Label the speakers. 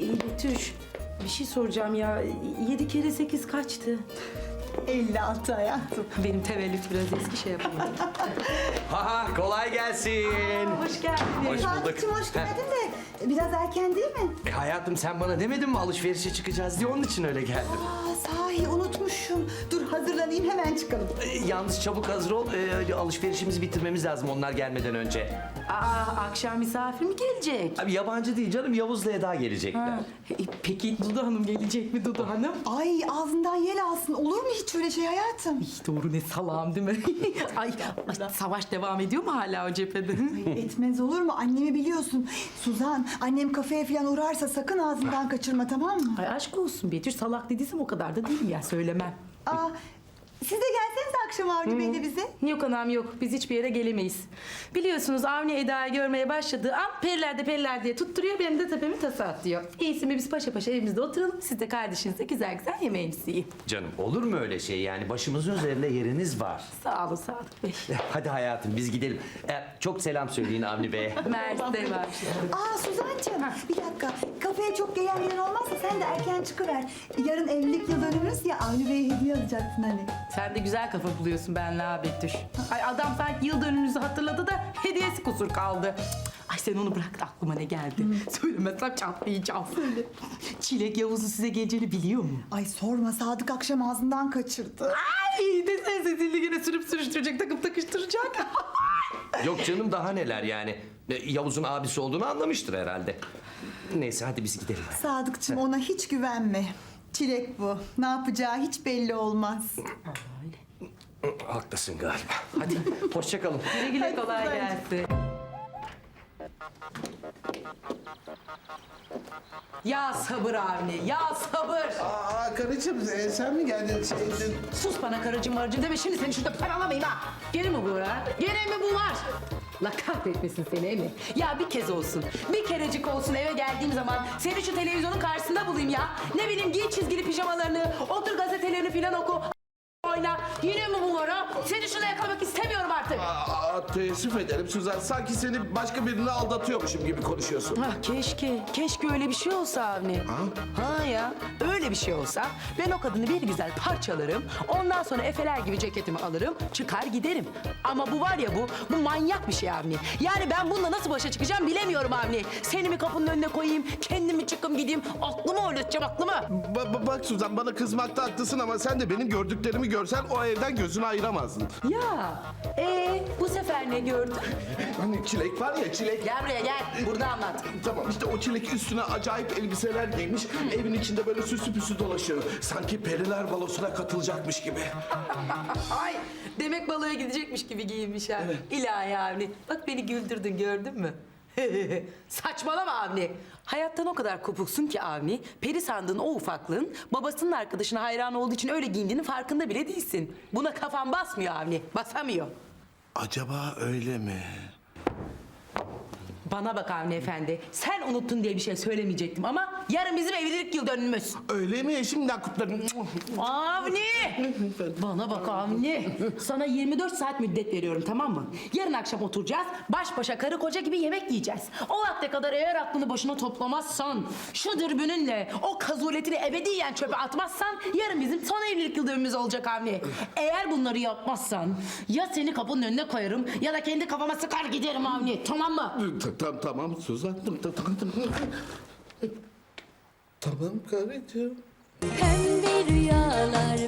Speaker 1: Betüş, bir şey soracağım ya. 7 kere 8 kaçtı?
Speaker 2: 56 hayatım.
Speaker 1: Benim tevellüt biraz eski şey yapamadım.
Speaker 3: Ha kolay gelsin.
Speaker 1: Hoş geldiniz.
Speaker 3: Hoş bulduk.
Speaker 2: Sadıkçım hoş geldin de biraz erken değil mi?
Speaker 3: Hayatım sen bana demedin mi alışverişe çıkacağız diye onun için öyle geldim.
Speaker 2: Sahi unutmuşum. Dur hazırlanayım hemen çıkalım.
Speaker 3: Yalnız çabuk hazır ol. Alışverişimizi bitirmemiz lazım onlar gelmeden önce.
Speaker 1: Akşam misafir mi gelecek?
Speaker 3: Abi yabancı değil canım Yavuz'la Eda gelecekler.
Speaker 1: Peki Dudu Hanım gelecek mi Dudu Hanım?
Speaker 2: Ay ağzından yel alsın. Olur mu hiç öyle şey hayatım?
Speaker 1: Doğru ne salağım değil mi? ay, savaş devam ediyor mu hala o cephede?
Speaker 2: Etmez olur mu? Annemi biliyorsun. Suzan, annem kafeye falan uğrarsa sakın ağzından kaçırma tamam mı?
Speaker 1: Ay aşk olsun Betüş, salak dediysem o kadar da değilim ya, söylemem.
Speaker 2: Aa, siz de gelsenize akşam Avni Bey'le bize.
Speaker 1: Yok anam yok, biz hiçbir yere gelemeyiz. Biliyorsunuz Avni Eda'yı görmeye başladığı an periler diye tutturuyor, benim de tepemi tasa atlıyor. İyisi mi biz paşa paşa evimizde oturalım, siz de kardeşinizle güzel güzel yemeğinizi yiyin.
Speaker 3: Canım olur mu öyle şey yani başımızın üzerinde yeriniz var.
Speaker 1: Sağ olun Sadık Bey.
Speaker 3: Hadi hayatım biz gidelim. Çok selam söyleyin Avni Bey'e.
Speaker 1: Mersi var.
Speaker 2: Aa Suzancığım bir dakika. Kafeye çok gelen gelen olmazsa sen de erken çıkıver. Yarın evlilik yıl dönümümüz ya Avni Bey'e hediye alacaksın hani.
Speaker 1: Sen de güzel kafa buluyorsun benle ha Betüş. Ay adam sanki yıl dönümünüzü hatırladı da hediyesi kusur kaldı. Ay sen onu bırak da aklıma ne geldi. Söylemezsem çatlayacağım. Söyle. Çilek Yavuz'u size geleceğini biliyor mu?
Speaker 2: Ay sorma Sadık akşam ağzından kaçırdı.
Speaker 1: Ay desene sesini yine sürüp sürüştürecek, takıp takıştıracak.
Speaker 3: Yok canım daha neler yani. Yavuz'un abisi olduğunu anlamıştır herhalde. Neyse hadi biz gidelim.
Speaker 2: Sadıkçım ona hiç güvenme. Çilek bu. Ne yapacağı hiç belli olmaz.
Speaker 3: Haklısın galiba. Hadi hoşça kalın.
Speaker 1: Güle güle kolay gelsin. Ya sabır Avni, ya sabır.
Speaker 4: Aa karıcığım sen mi geldin şeydin?
Speaker 1: Sus bana karıcığım marıcığım deme, şimdi seni şurada paralamayayım ha. Gene mi bu ha? Gene mi bu var? La kahretmesin seni Emi. Ya bir kez olsun, bir kerecik olsun eve geldiğim zaman seni şu televizyonun karşısında bulayım ya. Ne bileyim giy çizgili pijamalarını, otur gazetelerini filan oku. Oyna. Yine mi bu var ha? Seni şuna yakalamak istemiyorum artık.
Speaker 4: Teessüf ederim Suzan. Sanki seni başka birini aldatıyormuşum gibi konuşuyorsun.
Speaker 1: Ah keşke öyle bir şey olsa Avni. Ha ya, öyle bir şey olsa ben o kadını bir güzel parçalarım. Ondan sonra efeler gibi ceketimi alırım, çıkar giderim. Ama bu var ya bu manyak bir şey Avni. Yani ben bununla nasıl başa çıkacağım bilemiyorum Avni. Seni mi kapının önüne koyayım, kendimi çıkım gideyim, aklımı oynatacağım aklımı.
Speaker 4: Bak Suzan bana kızmakta haklısın ama sen de benim gördüklerimi görsen o evden gözünü ayıramazdın.
Speaker 1: Ya, bu sefer ne gördün?
Speaker 4: Hani çilek var ya çilek.
Speaker 1: Gel buraya gel, burada anlat.
Speaker 4: Tamam işte o çilek üstüne acayip elbiseler giymiş. Evin içinde böyle süslü püslü dolaşıyor. Sanki periler balosuna katılacakmış gibi.
Speaker 1: Ay, demek baloya gidecekmiş gibi giyinmiş ha. İlahi Avni. Bak beni güldürdün, gördün mü? Saçmalama Avni. Hayattan o kadar kopuksun ki Avni, peri sandığın o ufaklığın babasının arkadaşına hayran olduğu için öyle giyindiğinin farkında bile değilsin. Buna kafan basmıyor Avni, basamıyor.
Speaker 4: Acaba öyle mi?
Speaker 1: Bana bak Avni efendi, sen unuttun diye bir şey söylemeyecektim ama yarın bizim evlilik yıl dönümümüz.
Speaker 4: Öyle mi? Şimdiden kutlarım.
Speaker 1: Avni! Bana bak Avni. Sana 24 saat müddet veriyorum, tamam mı? Yarın akşam oturacağız, baş başa karı koca gibi yemek yiyeceğiz. O vakte kadar eğer aklını başına toplamazsan, şu dürbününle o kazuletini ebediyen çöpe atmazsan yarın bizim son evlilik yıl dönümümüz olacak Avni. Eğer bunları yapmazsan ya seni kapının önüne koyarım ya da kendi kafama sıkar giderim Avni, tamam mı?
Speaker 4: Tamam Suzan. Tamam karıcığım.
Speaker 5: Pembe rüyalar,